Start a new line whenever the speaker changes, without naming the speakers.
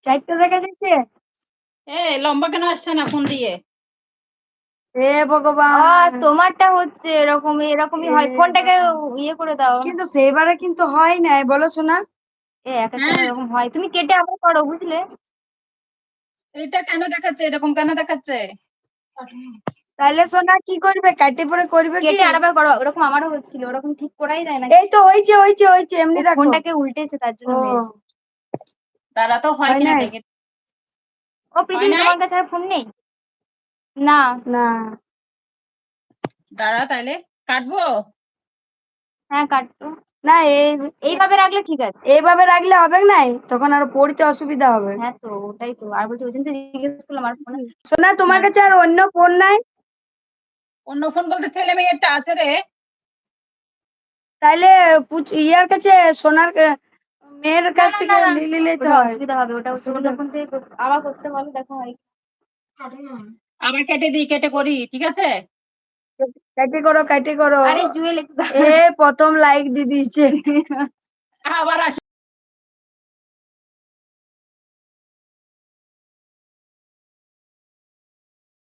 চারটে দেখা যাচ্ছে।
লম্বা কেন আসছে না ফোন দিয়ে?
হে ভগবান, তোমারটা হচ্ছে এরকমই হয়। ফোনটাকে ইয়ে করে দাও। কিন্তু সেইবারে কিন্তু হয় না, বলো শোনা। এক একটা এরকম হয়, তুমি কেটে আবার করো, বুঝলে?
এটা কেন দেখাচ্ছে, এরকম কেন দেখাচ্ছে?
তাহলে সোনা কি করবে, কাটে পরে করবে কি? কেটে আরেকবার করো, ওরকম আমারও হচ্ছিল, ওরকম ঠিক করাই যায় না। এই তো হয়েছে এমনি রাখো। ফোনটাকে উল্টেছে তার জন্য হয়েছে।
তারা তো হয় কিনা দেখে।
ও পৃথিবী, তোমার কাছে আর ফোন নেই? না না।
দাঁড়া তাহলে কাটবো।
হ্যাঁ কাটো না, এইভাবে রাখলে ঠিক আছে। এইভাবে রাখলে হবে না, তখন আর পড়তে অসুবিধা হবে। হ্যাঁ তো ওটাই তো, আর বলছি ওই জন্য তো জিজ্ঞেস করলাম। আর ফোন সোনা, তোমার কাছে আর অন্য ফোন নাই?
অন্য ফোন বলতে ছেলে মেয়েরটা আছে রে।
তাইলে ইয়ার কাছে, সোনার মেয়ের কাছ থেকে নিলে তো অসুবিধা হবে। ওটা ফোন থেকে আবার করতে বলো, দেখো হয়।
আবার কেটে দিই, কেটে করি, ঠিক আছে?
কাটে করো। আরে জুয়েল, প্রথম লাইক দিয়ে দিয়েছে।
আবার আসি।